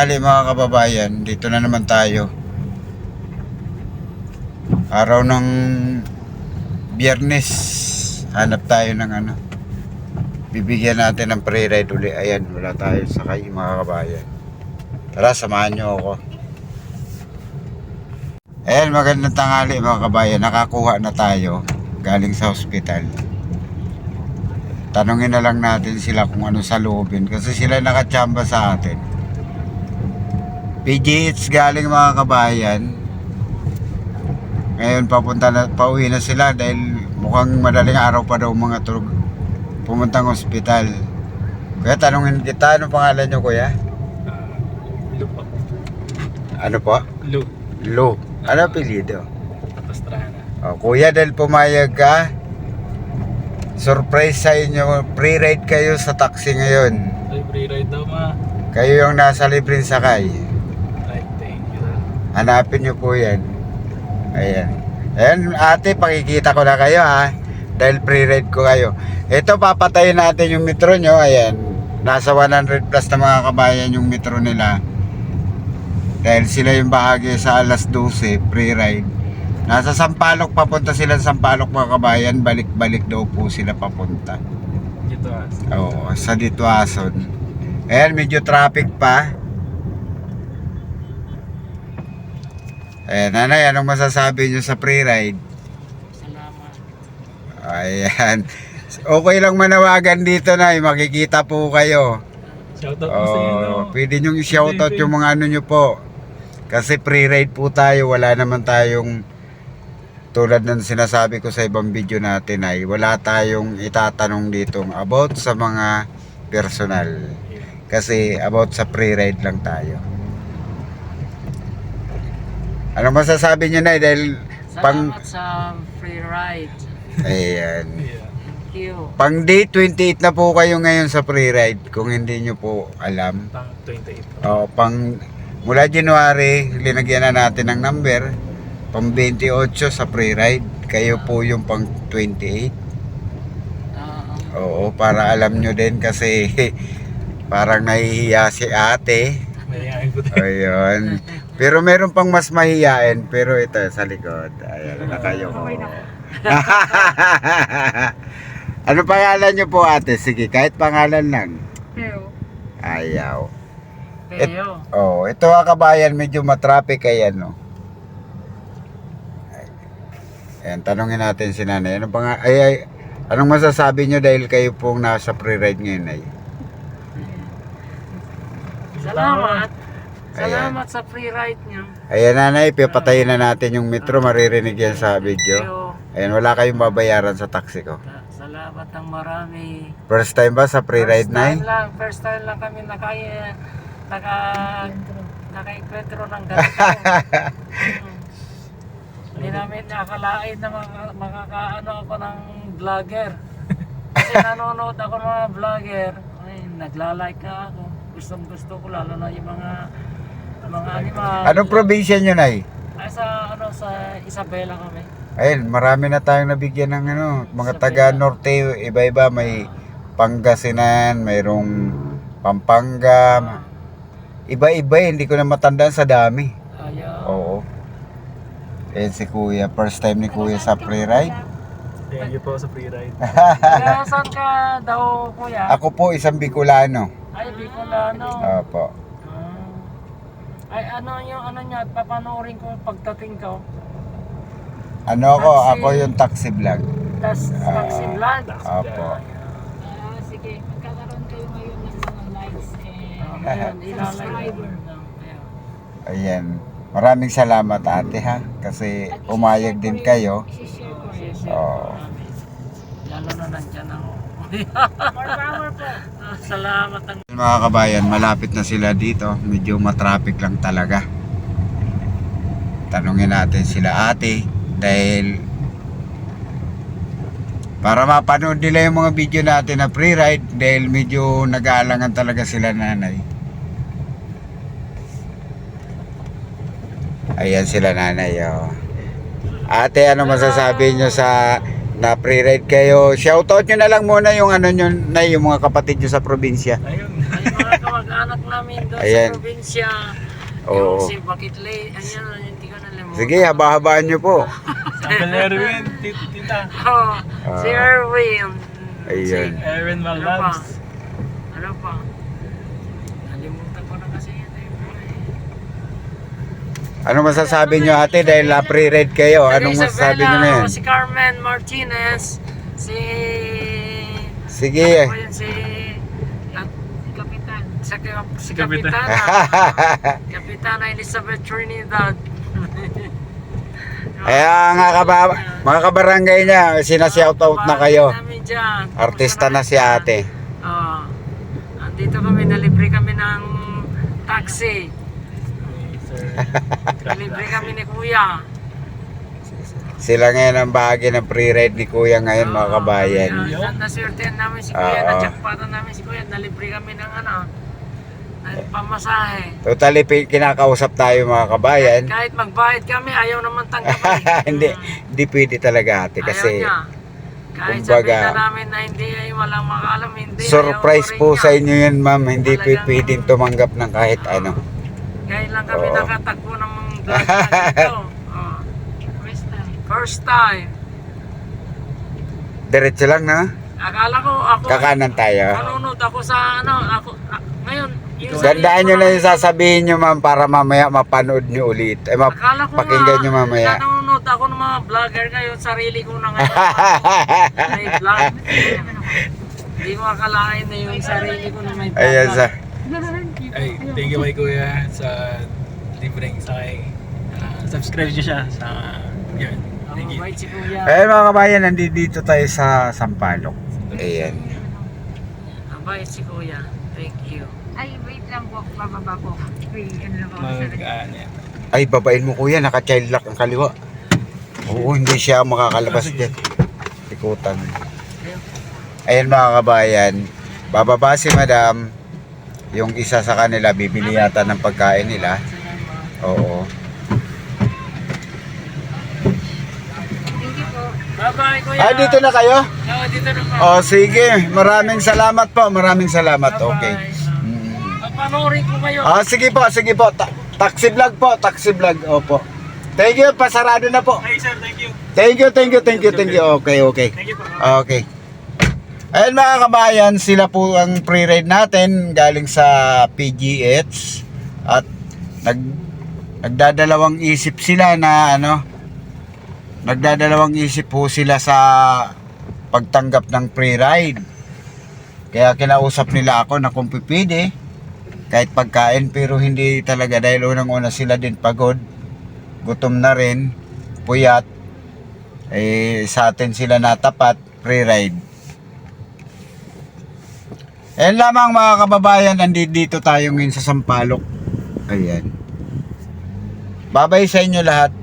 tanghali mga kababayan, dito na naman tayo. Araw ng Biyernes, hanap tayo ng bibigyan natin ng free ride uli. Ayan, wala tayo sakay mga kababayan. Tara, samahan nyo ako. Ayan, magandang tanghali mga kababayan. Nakakuha na tayo galing sa hospital. Tanungin na lang natin sila kung ano sa loobin kasi sila nakachamba sa atin. PGH galing mga kabayan. Ngayon pauwi na sila dahil mukhang madaling araw pa daw mga tulog pumuntang ospital. Kaya tanungin kita, ano pangalan nyo kuya? Lu po. Ano po? Lu. Lu. Ano apelyido? Pastrana. Oh, kuya, dahil pumayag ka, surprise sa inyo, free ride kayo sa taxi ngayon. Ay, free ride daw ma. Kayo yung nasa libreng sakay. Ay, thank you. Hanapin nyo po yan. Ayan. Ayan ate, pakikita ko na kayo ha. Dahil free ride ko kayo. Ito, papatayin natin yung metro nyo. Ayan. Nasa 100 plus na mga kabayan yung metro nila. Dahil sila yung bahagi sa alas 12, free ride. Nasa Sampaloc, papunta sila sa Sampaloc mga kabayan. Balik-balik daw po sila papunta. Dito as. Oo, sa Dituason. Ayan, medyo traffic pa. Ayan, nanay, anong masasabi nyo sa free ride? Salamat. Ayan. Okay lang manawagan dito, nay. Makikita po kayo. Shoutout po sa inyo. No? Pwede nyo i-shoutout yung mga ano nyo po. Kasi free ride po tayo. Wala naman tayong, tulad ng sinasabi ko sa ibang video natin ay wala tayong itatanong dito about sa mga personal. Kasi about sa free ride lang tayo. Ano masasabi nyo na dahil Salamat sa free ride. ayan. Yeah. Thank you. Pang day 28 na po kayo ngayon sa free ride kung hindi nyo po alam. Pang 28. Mula January, linagyan na natin ng number. Pang 28 sa free ride. Kayo po yung pang 28. Oo, para alam nyo din kasi parang nahihiya si ate. Mayayain po tayo. Ayun. Pero meron pang mas mahihiyain. Pero ito sa likod. Ayan, na kayo ko. Ano pangalan nyo po ate? Sige, kahit pangalan lang. Pero, Ayaw. pero, Ito kabayan, medyo matraffic ayan, no. Ayan, tanungin natin si nanay. Anong masasabi nyo dahil kayo pong nasa free ride ngayon ay? salamat. Ayan. Salamat sa free ride niyo. Ayan nanay, pipatayin na natin yung metro, maririnig yan sa video. Ayan, wala kayong babayaran sa taxi ko. Salamat ng marami. First time ba sa free ride nay? First time lang kami naka-encuentro ng ganito. Hindi namin nakakalain na makakaano ako ng vlogger. Kasi nanonood ako ng mga vlogger. Ay, nagla-like na ako. Gustong gusto ko lalo na yung mga animal. Anong probinsya nyo nay? Ay, sa Isabela kami. Ayun, marami na tayong nabigyan ng mga taga Norte, iba-iba, may Pangasinan, mayroong Pampanga. Iba-iba, hindi ko na matandaan sa dami. Ayaw. Oo. Ayan si kuya, first time ni kuya sa free ride. Thank you po sa free ride. Kaya saan ka daw, kuya? Ako po isang Bicolano. Ay, Bicolano. Opo. Ay, ano niya, papanoorin ko pagdating ko. Ako yung taxi vlog. Taxi vlog. Opo. Sige, magkakaroon kayo ngayon ng mga likes and Ayan, subscriber. Ayan. Maraming salamat ate ha. Kasi umayag din kayo. I-share ko. Oo. Lalo na nandyan ako. More power po. Salamat ang Mga kabayan, malapit na sila dito. Medyo matraffic lang talaga. Tanungin natin sila ate. Dahil para mapanood nila yung mga video natin na free ride. Dahil medyo nag-aalangan talaga sila nanay. Ayan sila nanay. Ate, ano masasabi nyo sa na free ride kayo? Shoutout nyo na lang muna yung nyo na yung mga kapatid nyo sa probinsya. Ayun. ay mga kamag kamag-anak namin doon Ayan. sa probinsya. Oo. Yung si Bakit Lay, ayan, hindi ko nalimutan. Sige, haba-habaan nyo po. Uncle Erwin, tita. Oh, si Erwin. Ayun. Erwin Ano pa? Malabs. Ano pa? Nalimutan ko na kasi yun Ano masasabi nyo ate dahil na-pre-read kayo? Anong masasabi nyo na yan? Si Carmen Martinez, si... Sige. Ano ba yun, si... Kapitan. Si Kapitan. Kapitana. Kapitana Elizabeth Trinidad. Kaya mga kabarangay niya, sinashoutout na kayo. Namin dyan. Artista na si ate. Oo. Andito kami, nalibre kami ng taxi. Nalibre kami ni Kuya. Sila ngayon ang bahagi ng pre-ride ni Kuya ngayon mga kabayan. Naswertehan namin si Kuya, Oo. na-jackpotan namin si Kuya, nalibre kami ng ng pamasahe. Totally kinakausap tayo mga kabayan. Kahit magbayad kami, ayaw naman tanggapin. Hindi pwede talaga ate kasi Ayaw niya. Kahit kumbaga, sabihin na namin na hindi, ay walang makaalam, hindi. surprise ayaw po rin sa niya. inyo yun ma'am. Hindi Talagang- pwedeng tumanggap ng kahit ano. Kaya lang kami Oo. nakatagpo ng mga vlog na dito. Oh. First time. First time. Diretso lang na. Akala ko ako, Kakanan tayo. nanonood ako sa ngayon, yung Gandaan nyo na yung sasabihin nyo ma'am para mamaya mapanood nyo ulit. Akala ko Pakinggan nyo mamaya. nanonood ako ng mga vlogger ngayon, sarili ko na ngayon. May vlog. Hindi ko akalain na yung sarili ko na may vlog. Ayan sa... Ay, thank you kay Kuya sa libreng sakay. Subscribe niyo siya sa yun. Thank you. Mabait si Kuya. Ayan mga kabayan, nandito tayo sa Sampaloc. Ayan. Mabait si Kuya. Thank you. Ay, wait lang po. Bababa po. Wait, ano lang ako sa Yan. Ay, babain mo kuya, naka-child lock ang kaliwa. Oo, hindi siya makakalabas dyan. Ikutan. Ayan mga kabayan, bababa si madam. Yung isa sa kanila, bibili yata ng pagkain nila. Oo. Thank you po. Bye-bye, Kuya. Ah, dito na kayo? Oo, dito na po. Oh, sige. Maraming salamat po. Maraming salamat. Okay. Panoorin ko kayo. Ah, sige po, sige po. Taxi vlog po, taxi vlog. Opo. Thank you, pasarado na po. Hey sir, thank you. Thank you. Okay, okay. Thank you po. Okay. Ayun mga kabayan, sila po ang pre-ride natin galing sa PGH at nagdadalawang isip sila na nagdadalawang isip po sila sa pagtanggap ng pre-ride. Kaya kinausap nila ako na kung pipili kahit pagkain, pero hindi talaga dahil unang-una sila din pagod, gutom na rin, puyat, sa atin sila natapat, pre-ride. Ayan lamang mga kababayan, nandito tayo ngayon sa Sampaloc. Ayan. Babay sa inyo lahat.